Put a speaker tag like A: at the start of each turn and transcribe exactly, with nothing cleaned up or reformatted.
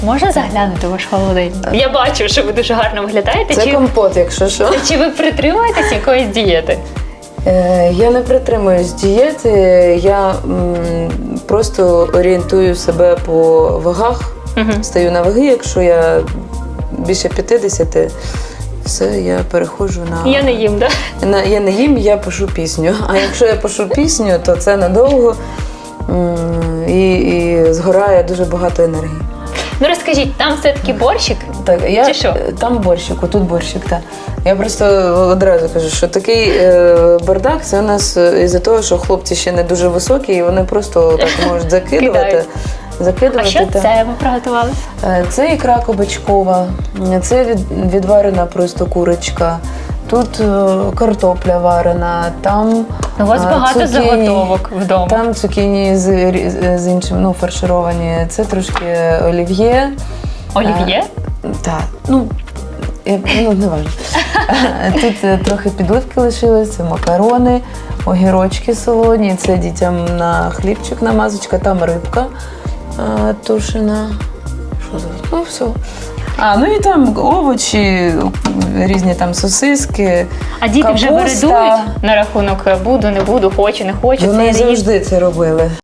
A: Можна заглянути в ваш холодильник? Я бачу, що ви дуже гарно виглядаєте.
B: Це
A: чи,
B: компот, якщо що.
A: чи ви притримуєтесь якоїсь дієти?
B: Е, Я не притримуюсь дієти, я м, просто орієнтую себе по вагах,
A: Угу.
B: стаю на ваги, якщо я більше п'ятдесят, все, я переходжу на...
A: Я не їм, так? Да?
B: на... Я не їм, я пишу пісню. А якщо я пишу пісню, то це надовго м, і, і згорає дуже багато енергії.
A: Ну розкажіть, там все-таки борщик?
B: Так, я,
A: Чи що?
B: Там борщик, отут борщик, так. Я просто одразу кажу, що такий е, бардак, це у нас із-за того, що хлопці ще не дуже високі, і вони просто так можуть закидувати.
A: Кидають.
B: закидувати
A: А що
B: та.
A: це ви приготували?
B: Е, Це ікра кабачкова, це від, відварена просто курочка, тут е, картопля варена, там
A: У вас
B: е,
A: багато
B: цукіні,
A: заготовок вдома.
B: там цукіні з, рі- з іншим, ну, фаршировані, це трошки олів'є.
A: Олів'є?
B: Так, ну, я, ну не важливо. Тут е, трохи підливки лишилось, це макарони, огірочки солоні, це дітям на хлібчик намазочка, там рибка е, тушена. Що за? Ну, все. А, ну і там овочі, різні там сосиски.
A: А діти вже
B: капуста.
A: вередують на рахунок буду, не буду, хочу, не хочу. це
B: Вони
A: я не їм.
B: завжди це робили.